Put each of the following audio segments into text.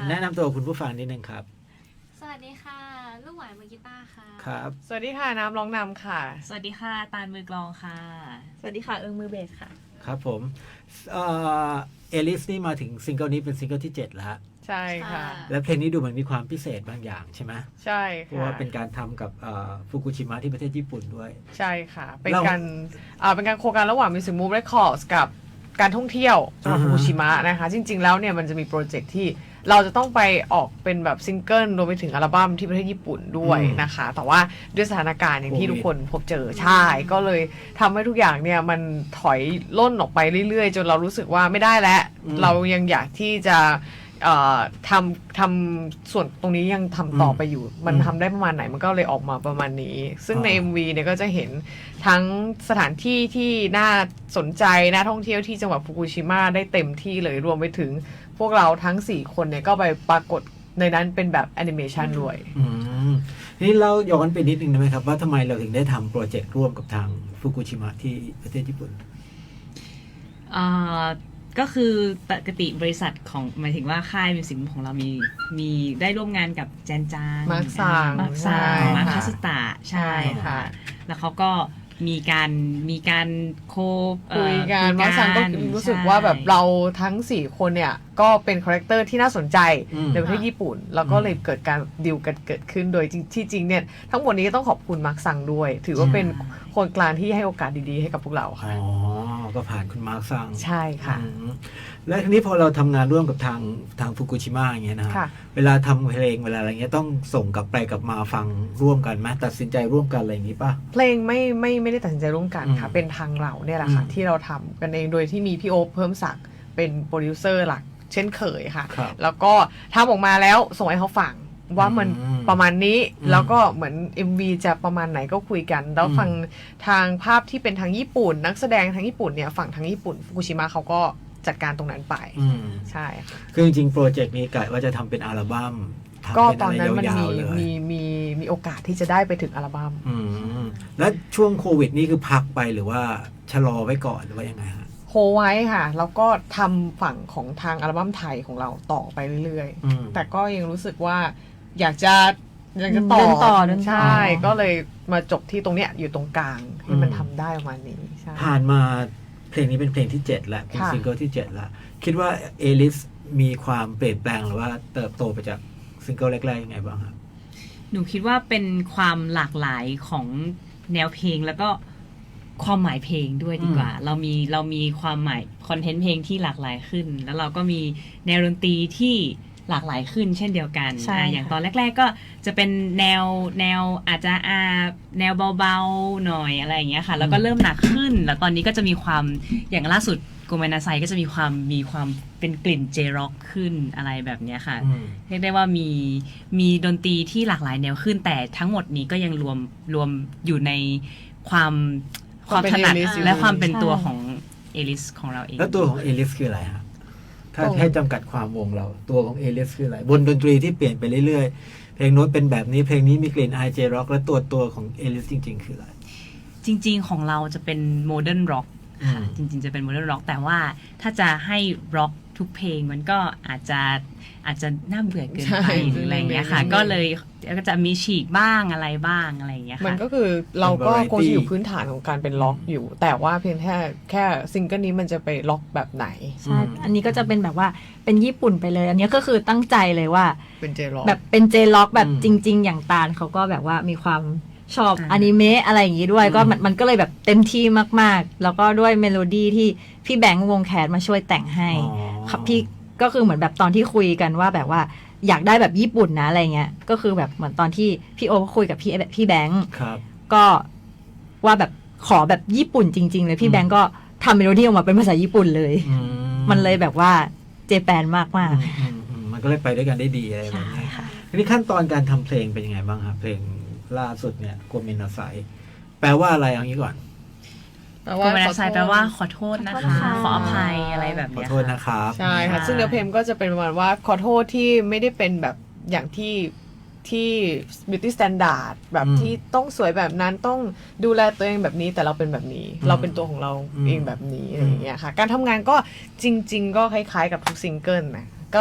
แนะนำตัวคุณผู้ฟังนิดนึงครับสวัสดีค่ะลูกหวานมือกีตาร์ค่ะครับสวัสดีค่ะน้ำร้องนำค่ะสวัสดีค่ะตาลมือกลองค่ะสวัสดีค่ะมือเบสค่ะครับผมเอลิสนี่มาถึงซิงเกิลนี้เป็นซิงเกิลที่7แล้วใช่ค่ะแล้วเพลงนี้ดูเหมือนมีความพิเศษบางอย่างใช่ไหมใช่ค่ะเพราะว่าเป็นการทำกับฟุกุชิมะที่ประเทศญี่ปุ่นด้วยใช่ค่ะเป็นการโครงการระหว่าง Music Move Records กับการท่องเที่ยวจังหวัดฟุกุชิมะนะคะจริงๆแล้วเนี่ยมันจะมีโปรเจกต์ที่เราจะต้องไปออกเป็นแบบซิงเกิลรวมไปถึงอัลบั้มที่ประเทศญี่ปุ่นด้วยนะคะแต่ว่าด้วยสถานการณ์อย่างที่ทุกคนพบเจอใช่ก็เลยทำให้ทุกอย่างเนี่ยมันถอยล่นออกไปเรื่อยๆจนเรารู้สึกว่าไม่ได้แล้วเรายังอยากที่จะทำส่วนตรงนี้ยังทำต่อไปอยู่มันทำได้ประมาณไหนมันก็เลยออกมาประมาณนี้ซึ่งใน MV เนี่ยก็จะเห็นทั้งสถานที่ที่น่าสนใจน่าท่องเที่ยวที่จังหวัดฟุกุชิมะได้เต็มที่เลยรวมไปถึงพวกเราทั้ง4คนเนี่ยก็ไปปรากฏในนั้นเป็นแบบแอนิเมชันด้วยนี่เราย้อนไปนิดนึงได้ไหมครับว่าทำไมเราถึงได้ทำโปรเจกต์ร่วมกับทางฟุกุชิมะที่ประเทศญี่ปุ่นก็คือปกติบริษัทของหมายถึงว่าค่ายมิวสิกของเรามีได้ร่วมงานกับแจนจางมาร์คซังมาคาสตาใช่ค่ะแล้วเขาก็มีการคุยกันมาร์คซังก็รู้สึกว่าแบบเราทั้ง4คนเนี่ยก็เป็นคาแรคเตอร์ที่น่าสนใจในประเทศญี่ปุ่นแล้วก็เลยเกิดการดีลกันเกิดขึ้นโดยที่จริงเนี่ยทั้งหมดนี้ก็ต้องขอบคุณมาร์คซังด้วยถือว่าเป็นคนกลางที่ให้โอกาสดีๆให้กับพวกเราค่ะก็ผ่านคุณมาร์คซังใช่ค่ะและทีนี้พอเราทำงานร่วมกับทางฟุกุชิมะอย่างเงี้ยนะเวลาทำเพลงเวลาอะไรเงี้ยต้องส่งกลับไปกลับมาฟังร่วมกันไหมตัดสินใจร่วมกันอะไรอย่างงี้ป่ะเพลงไม่ได้ตัดสินใจร่วมกันค่ะเป็นทางเราเนี่ยแหละค่ะที่เราทำกันเองโดยที่มีพี่โอ๊คเพิ่มศักดิ์เป็นโปรดิวเซอร์หลักเช่นเคยค่ะแล้วก็ทำออกมาแล้วส่งให้เขาฟังว่ามันประมาณนี้แล้วก็เหมือน MV จะประมาณไหนก็คุยกันแล้วฟังทางภาพที่เป็นทางญี่ปุ่นนักแสดงทางญี่ปุ่นเนี่ยฝั่งทางญี่ปุ่นฟุกุชิมะเขาก็จัดการตรงนั้นไปใช่ค่ะคือจริงๆโปรเจกต์นี้กะว่าจะทำเป็นอัลบั้มก็ตอนนั้นมันมีโอกาสที่จะได้ไปถึงอัลบั้มแล้วช่วงโควิดนี่คือพักไปหรือว่าชะลอไว้ก่อนหรือว่ายังไงฮะโฮไว้ค่ะแล้วก็ทำฝั่งของทางอัลบั้มไทยของเราต่อไปเรื่อยๆแต่ก็ยังรู้สึกว่าอยากจะต่อใช่ก็เลยมาจบที่ตรงเนี้ยอยู่ตรงกลางให้มันทำได้ประมาณนี้ใช่ผ่านมาเพลงนี้เป็นเพลงที่7แล้วเป็นซิงเกิลที่7แล้วคิดว่าเอลิสมีความเปลี่ยนแปลงหรือว่าเติบโตไปจากซิงเกิลแรกๆยังไงบ้างครับหนูคิดว่าเป็นความหลากหลายของแนวเพลงแล้วก็ความหมายเพลงด้วยดีกว่าเรามีความหมายคอนเทนต์เพลงที่หลากหลายขึ้นแล้วเราก็มีแนวดนตรีที่หลากหลายขึ้นเช่นเดียวกันอย่างตอนแรกๆก็จะเป็นแนวอาจจะแนวเบาๆหน่อยอะไรอย่างเงี้ยค่ะแล้วก็เริ่มหนักขึ้นแล้วตอนนี้ก็จะมีความอย่างล่าสุดโกเมนาไซก็จะมีความเป็นกลิ่นเจร็อกขึ้นอะไรแบบเนี้ยค่ะเรียกได้ว่ามีดนตรีที่หลากหลายแนวขึ้นแต่ทั้งหมดนี้ก็ยังรวมอยู่ในความถนัดและความเป็นตัวของเอลิสของเราเองแล้วตัวของเอลิสคืออะไรฮะถ้าให้จำกัดความวงเราตัวของเอลิสคืออะไรบนดนตรีที่เปลี่ยนไปเรื่อยๆเพลงโน้ตเป็นแบบนี้เพลงนี้มีกลิ่นไอเจร็อกและตัวของเอลิสจริงๆคืออะไรจริงๆของเราจะเป็นโมเดิร์นร็อกค่ะจริงๆจะเป็นโมเดิร์นร็อกแต่ว่าถ้าจะให้ร็อกทุกเพลงมันก็อาจจะน่าเบื่อเกินไปหรืออะไรเงี้ยค่ะก็เลยก็จะมีฉีกบ้างอะไรบ้างอะไรเงี้ยค่ะมันก็คือเราก็คงจะอยู่พื้นฐานของการเป็นล็อกอยู่แต่ว่าเพียงแค่ซิงเกิลนี้มันจะไปล็อกแบบไหนใช่อันนี้ก็จะเป็นแบบว่าเป็นญี่ปุ่นไปเลยอันนี้ก็คือตั้งใจเลยว่าเป็นเจล็อกแบบเป็นเจล็อกแบบจริงๆอย่างตาลเขาก็แบบว่ามีความชอบอนิเมะอะไรอย่างงี้ด้วยก็มันก็เลยแบบเต็มที่มากๆแล้วก็ด้วยเมโลดี้ที่พี่แบงค์วงแคสมาช่วยแต่งให้ครับพี่ก็คือเหมือนแบบตอนที่คุยกันว่าแบบว่าอยากได้แบบญี่ปุ่นนะอะไรเงี้ยก็คือแบบเหมือนตอนที่พี่โอคุยกับพี่แบงค์ก็ว่าแบบขอแบบญี่ปุ่นจริงๆเลยพี่แบงค์ก็ทำเมโลดี้ออกมาเป็นภาษาญี่ปุ่นเลยมันเลยแบบว่าเจแปนมากๆมันก็เลยไปด้วยกันได้ดีอะไรแบบนี้ทีนี้ขั้นตอนการทำเพลงเป็นยังไงบ้างครับเพลงล่าสุดเนี่ยโกเมนาไซแปลว่าอะไรอย่างนี้ก่อนโกเมนาไซแปลว่าขอโทษนะคะขออภัยอะไรแบบนี้ขอโทษนะครับใช่ค่ะซึ่งเนื้อเพลงก็จะเป็นประมาณว่าขอโทษที่ไม่ได้เป็นแบบอย่างที่ beauty standard แบบที่ต้องสวยแบบนั้นต้องดูแลตัวเองแบบนี้แต่เราเป็นแบบนี้เราเป็นตัวของเราเองแบบนี้อะไรอย่างเงี้ยค่ะการทำงานก็จริงๆก็คล้ายๆกับทุกซิงเกิลนะก็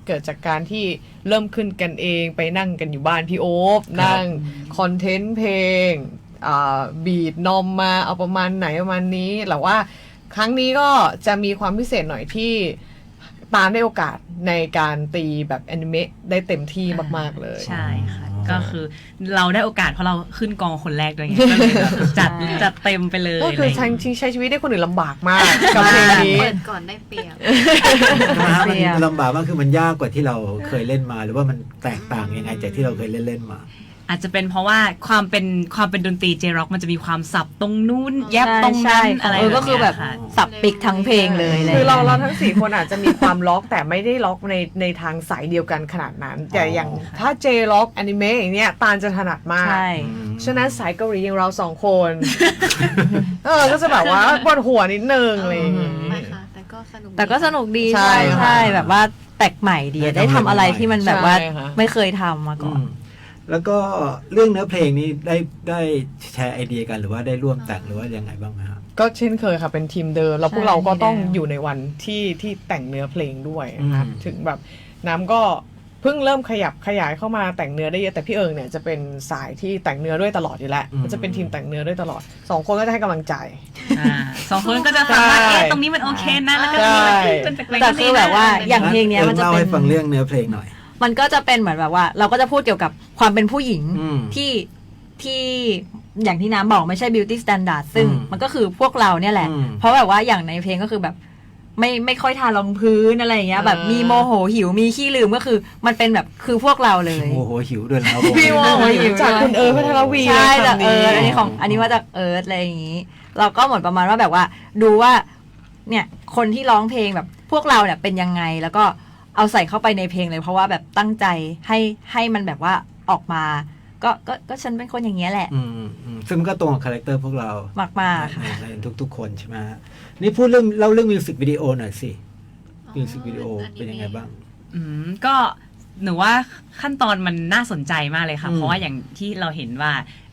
เกิดจากการที่เริ่มขึ้นกันเองไปนั่งกันอยู่บ้านพี่โอ๊บนั่งคอนเทนต์เพลงบีดนอมมาเอาประมาณไหนประมาณนี้แต่ว่าครั้งนี้ก็จะมีความพิเศษหน่อยที่ตามได้โอกาสในการตีแบบแอนิเมะได้เต็มที่มากๆเลยใช่ค่ะ ก็คือเราได้โอกาสเพราะเราขึ้นกองคนแรกด้วยไงก็เลยแบบจัดเต็มไปเลยก็คืออะไรอย่างเงี้ยใช้ชีวิตได้คนอื่นลำบากมากกับเพลงนี้เปิดก่อนได้เปรียบนะฮะมันลำบากมากคือมันยากกว่าที่เราเคยเล่นมา หรือว่ามันแตกต่างยังไงจากที่เราเคยเล่นมาอาจจะเป็นเพราะว่าความเป็นดนตรีเจร็อกมันจะมีความสับตรงนู้นแยบตรงใช่นั้นอะไรก็คือแบบเงี้ยค่ะสับปิกทั้งเพลงเลยะไคือเราทั้ง4คนอาจจะมีความล็อกแต่ไม่ได้ล็อกในทางสายเดียวกันขนาดนั้น แต่อย่างถ้าเจล็อกแอนิเมะอย่างเนี้ยตาลจะถนัดมากใช่ฉะนั้นสายเกาหลีอย่างเรา2 คนก็จะแบบว่าปวดหัวนิดนึงอะไรอย่างงี้ไม่ค่ะ แต่ก็สนุกแต่ก็สนุกดีใช่ใช่แบบว่าแปลกใหม่ดีได้ได้ทำทำอะไรที่มันแบบว่าใช่ค่ะไม่เคยทำมาก่อนแล้วก็เรื่องเนื้อเพลงนี้ได้แชร์ไอเดียกันหรือว่าได้ร่วมแต่งหรือว่ายังไงบ้างไหมครับก็เช่นเคยค่ะเป็นทีมเดิมแล้วพวกใช่เราก็ต้องทีมเดิมอยู่ในวันที่แต่งเนื้อเพลงด้วยนะคะอืมถึงแบบน้ำก็เพิ่งเริ่มขยับขยายเข้ามาแต่งเนื้อได้เยอะแต่พี่เอิงเนี่ยจะเป็นสายที่แต่งเนื้อด้วยตลอดอยู่แล้วก็จะเป็นทีมแต่งเนื้อด้วยตลอด2 คนก็จะให้กำลังใจสองคนก็จะฟังว่าใช่เอ๊ะตรงนี้มันโอเคนะแล้วก็ตรงนี้มันเป็นแปลกๆแต่คือแบบว่าอย่างเพลงเนี้ยมันจะเล่าเป็ให้นฟังเรื่องเนื้อเพลงหน่อยมันก็จะเป็นเหมือนแบบว่า เราก็จะพูดเกี่ยวกับความเป็นผู้หญิงอืมที่อย่างที่น้ำบอกไม่ใช่ beauty standard ซึ่งอืมมันก็คือพวกเราเนี่ยแหละอืมเพราะแบบว่าอย่างในเพลงก็คือแบบไม่ค่อยทารองพื้นอะไรอย่างเงี้ยแบบมีโมโหหิวมีขี้ลืมก็คือ มันเป็นแบบคือพวกเราเลยโอ้โหหิวด้วยแล้วพี่โมจากคุณเอิร์ธพัทรวีใช่เลยจากคำอันนี้ของอันนี้มาจากเอิร์ธอะไรอย่างงี้ เราก็เหมือนประมาณว่าแบบว่า ดูว่า เนี่ยคนที่ร้องเพลงแบบพวกเราเนี่ยเป็นยังไงแล้วก็เอาใส่เข้าไปในเพลงเลย เพราะว่าแบบตั้งใจให้มันแบบว่าออกมา ก็ฉันเป็นคนอย่างเงี้ยแหละซึ่งมันก็ตรงกับคาแรคเตอร์พวกเรามากๆค่ะในทุกๆคนใช่ไหมฮะนี่พูดเรื่องมิวสิกวิดีโอหน่อยสิมิวสิกวิดีโอเป็นยังไงบ้างก็หนูว่าขั้นตอนมันน่าสนใจมากเลยค่ะอืมเพราะว่าอย่างที่เราเห็นว่า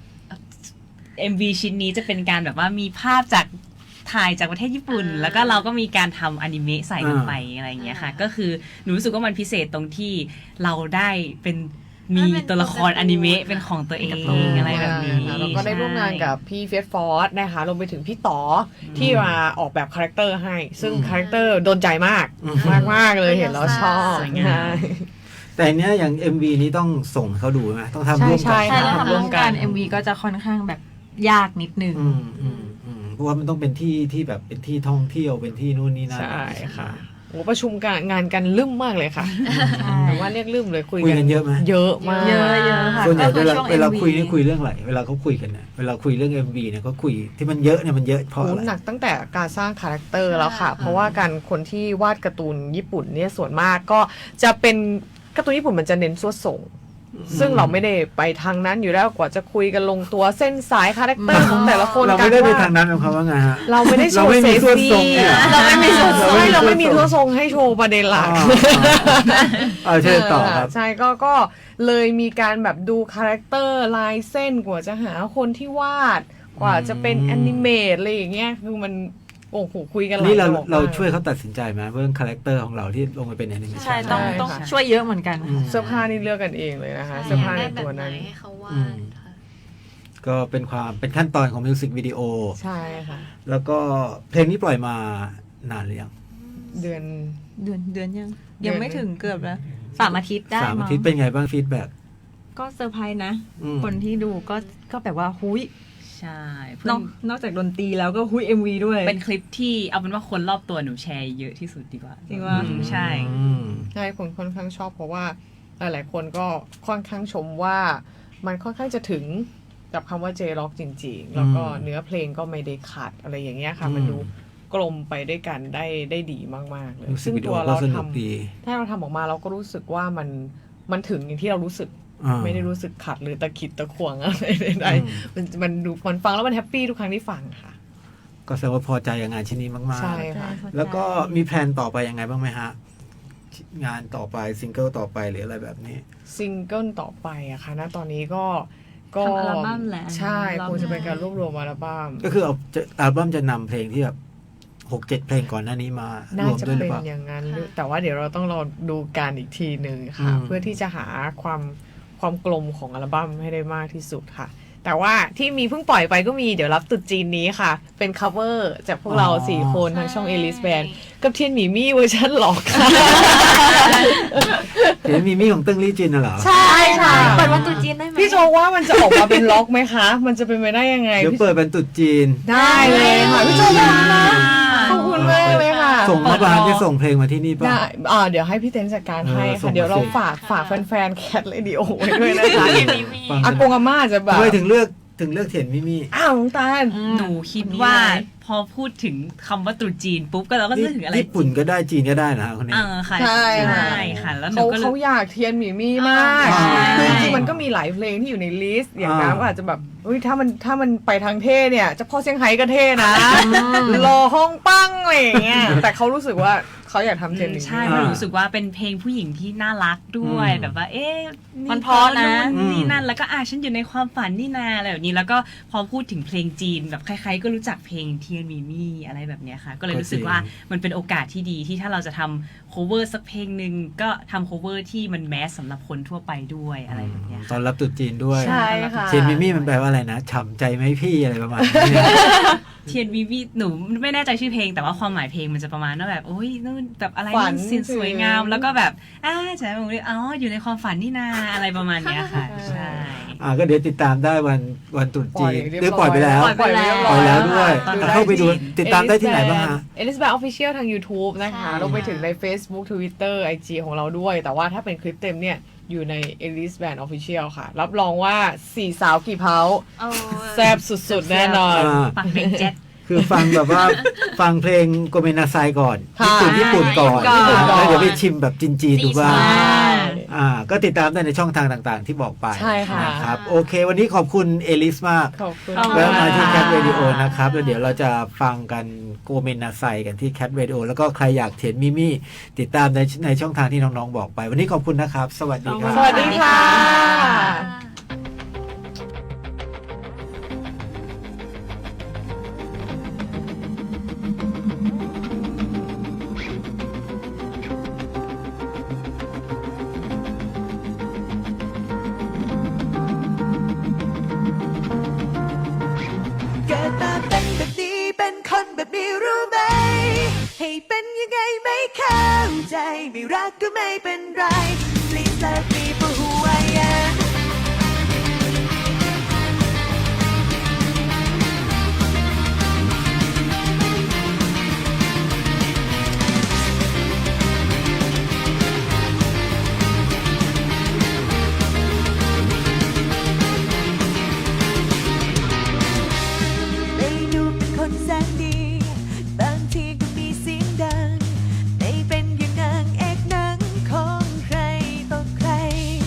MV ชิ้นนี้จะเป็นการแบบว่ามีภาพจากถ่ายจากประเทศญี่ปุ่น แล้วก็เราก็มีการทำอนิเมะใส่ลงไปอะไรอย่างเงี้ยค่ะ ก็คือหนูรู้สึกว่ามันพิเศษตรงที่เราได้มีตัวละครอนิเมะเป็นของตัวเองอะไรแบบนี้แล้วก็ได้ร่วมงานกับพี่เฟสฟอร์ดนะคะรวมไปถึงพี่ต่อที่มาออกแบบคาแรคเตอร์ให้ ซึ่งคาแรคเตอร์โดนใจมากมากเลยเห็นแล้วชอบสวยงามใช่แต่เนี้ยอย่าง MV นี้ต้องส่งให้เขาดูไหมต้องทำร่วมใช่กันใช่ค่ะแล้วทำทำร่ร่ววมมกักัน น MV ก็จะค่อนข้างแบบยากนิดนึงเพราะว่ามันต้องเป็นที่แบบเป็นที่ท่องเที่ยวเป็นที่นู่นนี่นั่นใช่ค่ะโอ้ประชุมงานกันลืมมากเลยค่ะใช่แต่ว่าเรียกลืมเลยคุยคุยกันเยอะไหมเยอะมากเยอะค่ะส่วนใหญ่ก็คือช่วงเวลา MV คุยนี่คุยเรื่องอะไรเวลาเขาคุยกันเนี่ยเวลาคุยเรื่อง MV เนี่ยเขาคุยที่มันเยอะเนี่ยมันเยอะเพราะโอ้อะไรหนักตั้งแต่การสร้างคาแรคเตอร์แล้วค่ะ เพราะว่าการคนที่วาดการ์ตูนญี่ปุ่นเนี่ยส่วนมากก็จะเป็นการ์ตูนญี่ปุ่นมันจะเน้นสวดส่ง ซึ่งเราไม่ได้ไปทางนั้นอยู่แล้วกว่าจะคุยกันลงตัวเส้นสายคาแรคเตอร์ของแต่ละคนเราไม่ได้ไปกทางนั้นของเขาว่าไงฮะเราไม่ได้โชเราว์ไม่เซมีฟสวดทรงซี่เนี่ยเราไม่มีสวดทรงเราไม่มีเราไม่มีสทัววดทรงทรงให้โชว์ประเด็นหลักเชิญต่อครับใช่ก็เลยมีการแบบดูคาแรคเตอร์ลายเส้นกว่าจะหาคนที่วาด กว่าจะเป็นแอนิเมตอะไรอย่างเงี้ยคือมันโอ้โหคุยกันหลายนี่เราดอกมกเราช่วยเขาตัดสินใจไหมเรื่องคาแรคเตอร์ของเราที่ลงไปเป็นแอนิเมชันใช่ต้องช่วยเยอะเหมือนกันเสื้อผ้านี่เลือกกันเองเลยนะคะใช่เสื้อผ้าได้ในแบบตัวไหนนั้นให้เขาวาดค่ะก็เป็นขั้นตอนของมิวสิกวิดีโอใช่ค่ะแล้วก็เพลงนี้ปล่อยมานานหรือยังเดือนเดือนยังเดือนยังไม่ถึงเกือบแล้ว3 อาทิตย์ได้ 3 อามั้งทิตย์เป็นไงบ้างฟีดแบ็กก็เซอร์ไพรส์นะ คนที่ดูก็แบบว่าหุยใช่นอกจากดนตรีแล้วก็หุย MV ด้วยเป็นคลิปที่เอาเป็นว่าคนรอบตัวหนูแชร์เยอะที่สุดดีกว่าจริงว่าใช่ใช่คนค่อนข้างชอบเพราะว่าหลายๆคนก็ค่อนข้างชมว่ามันค่อนข้างจะถึงกับคำว่าเจร็อกจริง ๆ แล้วก็เนื้อเพลงก็ไม่ได้ขาดอะไรอย่างเงี้ยค่ะ มันดูกลมไปด้วยกันได้ดีมากๆเลยมิวสิซึ่กงวิดีตัโอวก็เราสนุกทำดีถ้าเราทำออกมาเราก็รู้สึกว่ามันถึงอย่างที่เรารู้สึก ไม่ได้รู้สึกขัดหรือตะขิดตะขวงอะไรใดๆมันดูมันฟังแล้วมันแฮปปี้ทุกครั้งที่ฟังค่ะก็แสดงว่าพอใจกับงานชิ้นนี้มากใช่ค่ะๆ แล้วก็มีแพลนต่อไปยังไงบ้างไหมฮะ งานต่อไปซิงเกิลต่อไปหรืออะไรแบบนี้ซิงเกิลต่อไปอะค่ะณตอนนี้ก็ทำอัลบั้มแหละใช่คงจะเป็นการรวบรวมอัลบั้มก็คืออัลบั้มจะนำเพลงที่แบบ 6-7 เพลงก่อนหน้านี้มาน่ารวมจะด้วยหรืเป็อน เปล่าอย่างนั้นค่ะแต่ว่าเดี๋ยวเราต้องรอดูการอีกทีหนึ่งค่ะอืมเพื่อที่จะหาความกลมของอัลบั้มให้ได้มากที่สุดค่ะ แต่ว่าที่มีเพิ่งปล่อยไปก็มีเดี๋ยวรับตรุษจีนนี้ค่ะ เป็น cover จากพวกเรา4 คนทางช่อง Alice Band กับเทียนหมีมี่เวอร์ชันหลอกค่ะเห็นมีมี่ของเติ้งลี่จินน่ะเหรอใช่ค่ะเปิดวันตรุษจีนได้ไหมพี่โจว่ามันจะออกมาเป็นล็อกไหมคะ มันจะเป็นไปได้ยังไงเดี๋ยวพี่เปิดเป็นตรุษจีนได้เลยค่ะพี่โจบอกนะขอบคุณมากเลยค่ะส่งมาบ้านจะส่งเพลงมาที่นี่ป่ะได้เดี๋ยวให้พี่เต้นจัดการให้ส่งค่ะมาเดี๋ยวเราสิฝากแฟนๆแคทเรดิโอไว้ด้วยนะคะฟังอากงอาม่าจะแบบทำไมถึงเลือกเถียนมิมี่อ้าวน้องตาลหนูคิดว่าพอพูดถึงคำว่าตรุษจีนปุ๊บก็เราก็นึกถึงอะไรญี่ปุ่นก็ได้จีนก็ได้นะคนนี้ค่ะใช่ใช่ค่ะค่ะ แล้วหนูเขาก็เลยเขาอยากเทียนหมีมี่มากอ่าคือจริงๆมันก็มีหลายเพลงที่อยู่ในลิสต์อย่างน้ำก็อาจจะแบบเฮ้ยถ้ามันไปทางเท่เนี่ยเจะพ่อเซี่ยงไฮ้ก็เท่นะรอห้องปั้งอะไรอย่างเงี้ยแต่เขารู้สึกว่าเขาอยากทำเทียนหมีมี่ใช่เพราะรู้สึกว่าเป็นเพลงผู้หญิงที่น่ารักด้วยอืมแบบว่า เอ๊ะมันเพราะนะนี่นั่นแล้วก็ฉันอยู่ในความฝันนี่นาอะไรแบบนี้แล้วก็พอพูดถึงเพลงจีนแบบใครๆก็รู้จักเพลงเทียนมีมี่อะไรแบบเนี้ยค่ะ ก็เลยรู้สึกว่ามันเป็นโอกาสที่ดีที่ถ้าเราจะทำ cover สักเพลงหนึ่งก็ทำ cover ที่มันแมสสำหรับคนทั่วไปด้วยอะไรแบบเนี้ยตค่ะอนรับตรุษจีนด้วยใช่ค่ะเทียนมิมี่มันแปลว่าอะไรนะฉ่ำใจไหมพี่อะไรประมาณนี้เทียนวีวีหนูไม่แน่ใจชื่อเพลงแต่ว่าความหมายเพลงมันจะประมาณว่าแบบโอ้ยนู่นแบบอะไรฝันนู่นสวยงามแล้วก็แบบใช่ผมเลยอยู่ในความฝันนี่นาอะไรประมาณเนี้ยค่ะ ใช่ก็เดี๋ยวติดตามได้วันตรุษจีนเรียบร้อยหรือปล่อยไปแล้วปล่อยไปแล้วปล่อยแล้วด้วยตอนเข้าไปดูติดตามได้ที่ไหนบ้างฮะ Alice Band Official ทาง YouTube นะคะใช่ลงไปถึงใน Facebook Twitter IG ของเราด้วย แต่ว่าถ้าเป็นคลิปเต็มเนี่ยอยู่ใน Alice Band Official ค่ะ รับรองว่า4สาวกี่เผาโอ้แซบสุดๆ แน่นอนปักเพลงเจ็ตคือฟังแบบว่า ฟังเพลงโกเมนาไซก่อนค่ะญี่ปุ่นก่อนญี่ปุ่นก่อนแล้วเดี๋ยวไปชิมแบบจีนๆดูบ้างใช่ก็ติดตามได้ในช่องทางต่างๆ ที่บอกไปใช่ค่ะนะครับโอเค วันนี้ขอบคุณเอลิสมากขอบคุณแล้วมาที่ค่ะแคทเรดิโอนะครับแล้วเดี๋ยวเราจะฟังกันโกเมนาไซกันที่แคทเรดิโอแล้วก็ใครอยากเห็นมิมี่ติดตามในช่องทางที่น้องๆบอกไป วันนี้ขอบคุณนะครับ สวัสดีครับสวัสดีค่ะเกิดมาเป็นแบบนี้เป็นคนแบบนี้รู้ไหม ให้เป็นยังไงไม่เข้าใจ ไม่รักก็ไม่เป็นไร Please let me for who I am ไม่ดูเป็นคนแสนดี บางทีก็มีเสียงดัง ไม่เป็นอย่างนางเอกหนังของใครต่อใคร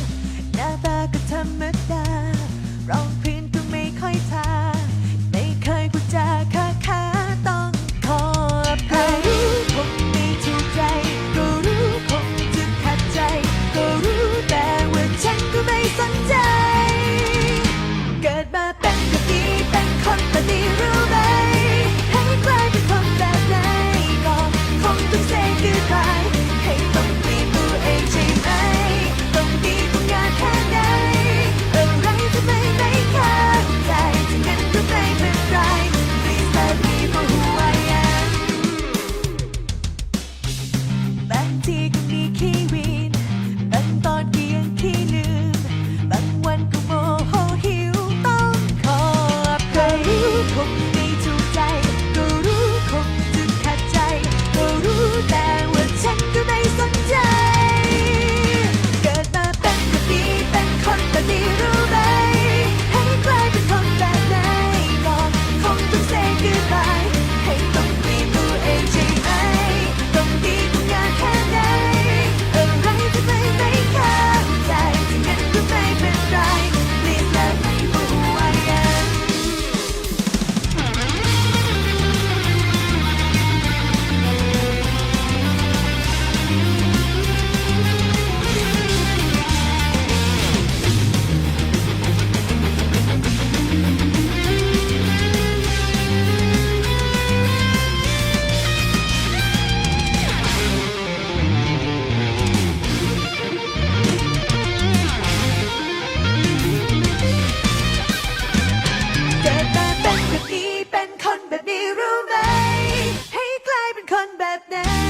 กิดมาเป็นแบบนี้เป็นคนแบบนี้รู้ไหมให้กลายเป็นคนแบบนั้น